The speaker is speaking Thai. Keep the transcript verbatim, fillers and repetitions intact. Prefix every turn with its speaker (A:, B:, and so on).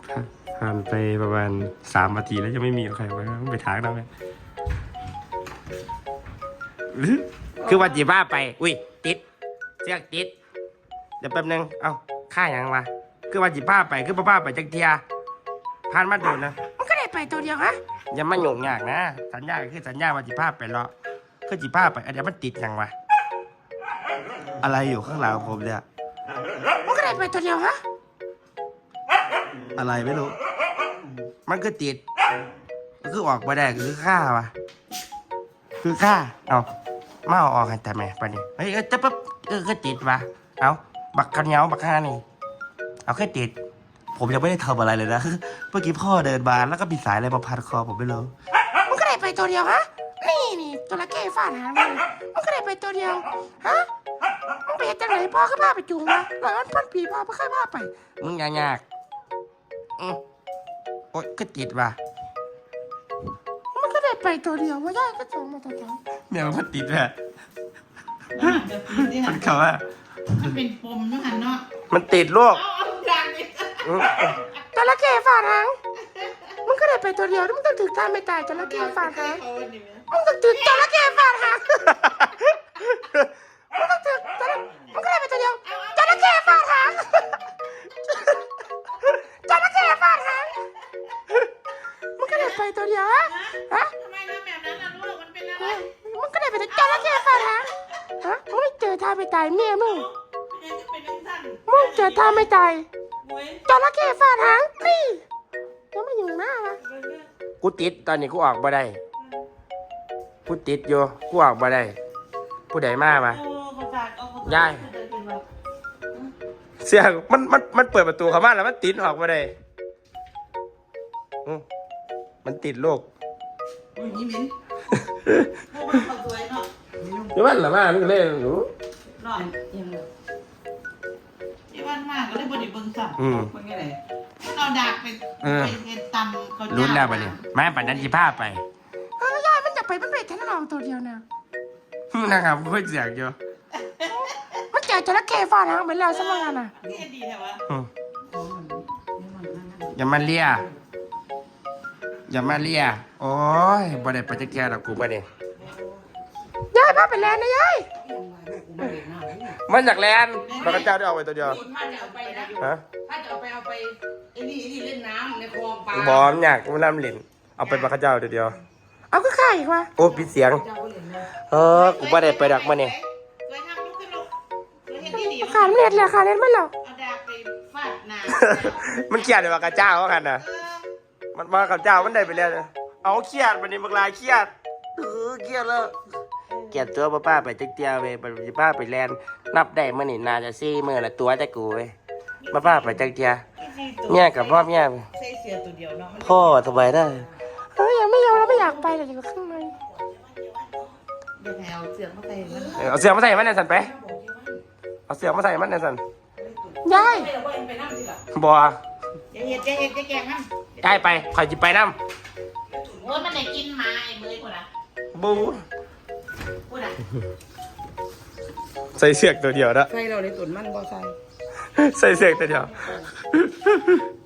A: ผ่านไปประมาณสามนาทีแล้วยังไม่มีใครมาไปถางเราเลยคือวันจีบ้าไปอุ้ยติดเชือกติดเดี๋ยวแป๊บนึงเอ้าค่าอย่างวะคือวันจีบ้าไปคือบ้าไปจังเทียผ่านมาโดนนะมันก็ได้ไปตัวเดียวฮะอย่ามาหยุ่งยากนะสัญญาคือสัญญาวันจีบ้าไปรอคือจีบ้าไปอันเดียวมันติดยังวะอะไรอยู่ข้างหลังผมเนี่ยมันก็ได้ไปตัวเดียวฮะอะไรไม่รู้มันก็ติดมันคือออกมาได้คือฆ่าวะคือฆ่าเอามาเอาออกให้แต่แม่ไปนี่เฮ้ยจะปั๊บเออก็ติดวะเอาบักกันเหนียวบักข้านี่เอาแค่ติดผมยังไม่ได้ทำอะไรเลยนะเมื่อกี้พ่อเดินมาแล้วก็มีสายอะไรมาพันคอผมไม่รู้มันก็ได้ไปตัวเดียวฮะนี่นี่ตัวละแก้ฟาดหางมันมันก็ได้ไปตัวเดียวฮะมันไปจากไหนพ่อก็พาไปจูงมาหลังนั้นพันผีพ่อไม่เคยพาไปมึงยากยากอือโอ๊ยก็ติดว่ะมันก็ได้ไปตัวเดียวว่าได้ก็จูงมาตัวเดียวเนี่ยมันติดแหละมันเขาว่า
B: มันเป็นปมนะฮันเนาะ
A: มันติดลูกจระเข้ฟาดหางมันก็ได้ไปตัวเดียวมึงต้องถึงท่าไม่ตายจระเข้ฟาดหางมึงต้องถึงจระเข้ฟาดหางมึงต้องถึงมึงก็ได้ไปตัวเดียวจระเข้ฟาดหางจระเข้ฟาดหางมึงก็ได้ไปตัวเดียวฮะฮะ
B: ทำไมทำแบบนั้นล่ะลูกมันเป็นอะไร
A: มึงก็ได้ไปตัวจระเข้ฟาดหางฮะมึงไม่เจอท่าไม่ตายเมียมึงมึงเจอท่าไม่ตายจระเข้ฟาดหางนี่ยังไม่อยู่หน้าวะกูติดตอนนี้กูออกมาได้กูติดอยู่กูออกมาได้ผู้ใดมามาย่ายเสียงมันมันมันเปิดประตูเข้ามาแล้วมันติดออกมาได้มันติดโลก
B: นี่มิ้นพวกมันสวยเนาะ
A: นี่มันหรือว่ามันก็เล่นหนู
B: นอนยังที่วันมากก็เลยบริเบิงสับมันไงเลยเอาดาบไปไปตำเขา
A: ลุ้นแล้วไปเนี่ยแม่ปัดนันจีผ้าไปเออย่ามันจะไปมันไปแค่เราตัวเดียวนะนะครับค่อยเสียงอยู่มันเจอจระเข้ฟาดหางไปแล้วสมังกันอ่ะ
B: นี่ดีแถวะ
A: อย่ามาเลียอย่ามาเลียโอ้ยบ่ได้ไปจะแก่ดอกกูบ่ได้ยายพาไปแลนนะยายมันจากแลนพระเจ้าได้เอาไปตัวเดียว
B: ถ้าจะเอาไปนะฮะถ้าจะเอาไปเอาไปไอ้นี่ไอ้นี่เล่นน้ำในคลองปลา
A: บอมอยากกูน้ำหลินเอาไปพระเจ้าตัวเดียวเอาก็ข่อีกวะโอ้ปิดเสียงเออกูบ่ได้ไปดักมาเนี่ยขาดเล็ดเลยขาดเล็ดไม่หรอก
B: เอาดาบไปฟาดหน้า
A: มันเขียดเลยว่ากระเจ้าเขากันนะมันมากับเจ้ามันได้ไปแล้วเอาเครียดวันนี้มึงลายเครียดเออเครียดแล้วเกลียดตัวป้าป้าไปติ๊กเตียวไปป้าไปแลนนับได้มื่อนี่นาจะซี่มื่อละตัวจะกูไปป้าป้าไปติ๊กเตียเนี่ยกับพ่อเนี่ย
B: ใส่เสื้อตัวเดียวเนาะ
A: พ่อสบายได้เฮ้ยยังไม่ยอมแล้วไม่อยากไปเลยอยู่ข้างใน
B: เดี๋ยวเอาเสื้อมาใส่มัน
A: เอาเสื้อมาใส่มันในสันไปเอาเสื้อมาใส่มันในสัน
B: ยาย
A: บัว
B: จะเห็ดจะเห็ดจะแกงมัน
A: ได้ไปคอยจิบไปน้ำ
B: โอ้ยมันไหนกินมาไอ้เมย์กูนะ
A: บู
B: กูนะ
A: ใส่เสื้อตัวเดียวนะ
B: ใส่เราในตุ่นมันบ่ใส่
A: ใส่เสื้อตัวเดียว